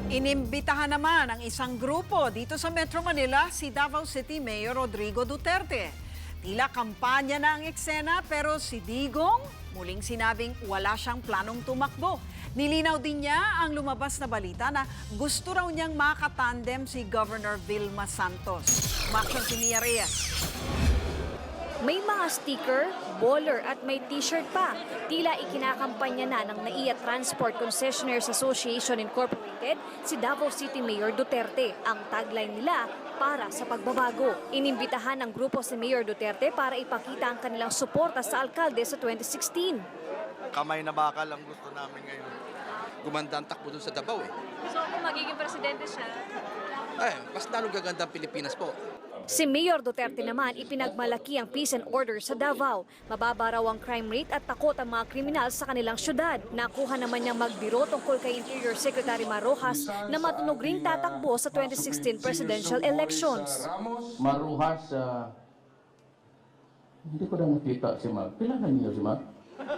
Inimbitahan naman ang isang grupo dito sa Metro Manila si Davao City Mayor Rodrigo Duterte. Tila kampanya na ang eksena pero si Digong muling sinabing wala siyang planong tumakbo. Nilinaw din niya ang lumabas na balita na gusto raw niyang makatandem si Governor Vilma Santos. Umaksyon si Nia Reyes. May mga sticker, baller at may t-shirt pa. Tila ikinakampanya na ng NAIA Transport Concessionaires Association Incorporated si Davao City Mayor Duterte. Ang tagline nila, para sa pagbabago. Inimbitahan ng grupo si Mayor Duterte para ipakita ang kanilang suporta sa alkalde sa 2016. Kamay na bakal ang gusto namin ngayon. Gumanda ang takbo dun sa Davao eh. So kung magiging presidente siya? Mas lalong gaganda ang Pilipinas po. Si Mayor Duterte naman ipinagmalaki ang peace and order sa Davao. Mababa raw ang crime rate at takot ang mga kriminal sa kanilang syudad. Nakuha naman niyang magbiro tungkol kay Interior Secretary Marojas na matunog ring tatakbo sa 2016 presidential elections. Maruhas, hindi ko na nakita si Mag. Kailangan niyo si Mag?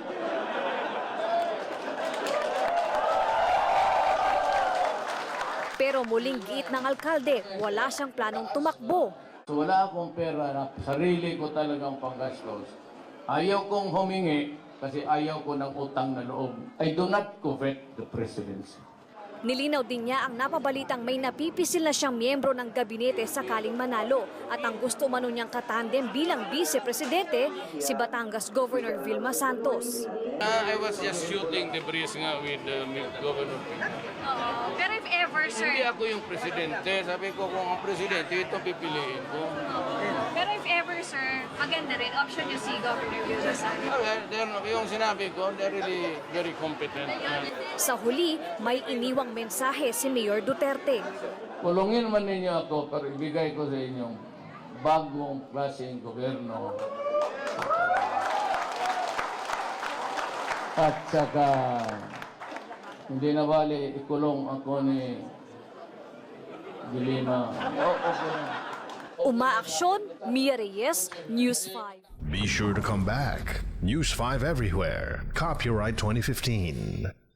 Pero muling giit ng alkalde, wala siyang planong tumakbo. So wala akong pera na sarili ko talagang panggastos. Ayaw kong humingi kasi ayaw ko ng utang na loob. I do not covet the presidency. Nilinaw din niya ang napabalitang may napipisil na siyang miyembro ng gabinete sakaling manalo at ang gusto umano niyang katandem bilang vice-presidente si Batangas Governor Vilma Santos. I was just shooting the breeze nga with Governor. Pero if ever, Hindi ako yung presidente. Sabi ko kung ang presidente, ito pipiliin ko. Pero if ever, sir, maganda rin. Option niyo si Governor Vilma Santos. Yung sinabi ko, they're really very competent. Sa huli, may iniwang mensahe si Mayor Duterte. Kulungin man ninyo ako pero ibigay ko sa inyong bagong klaseng gobyerno. At saka hindi na bali ikulong ako ni Dilima. Umaaksyon, Mia Reyes, News 5. Be sure to come back. News 5 everywhere. Copyright 2015.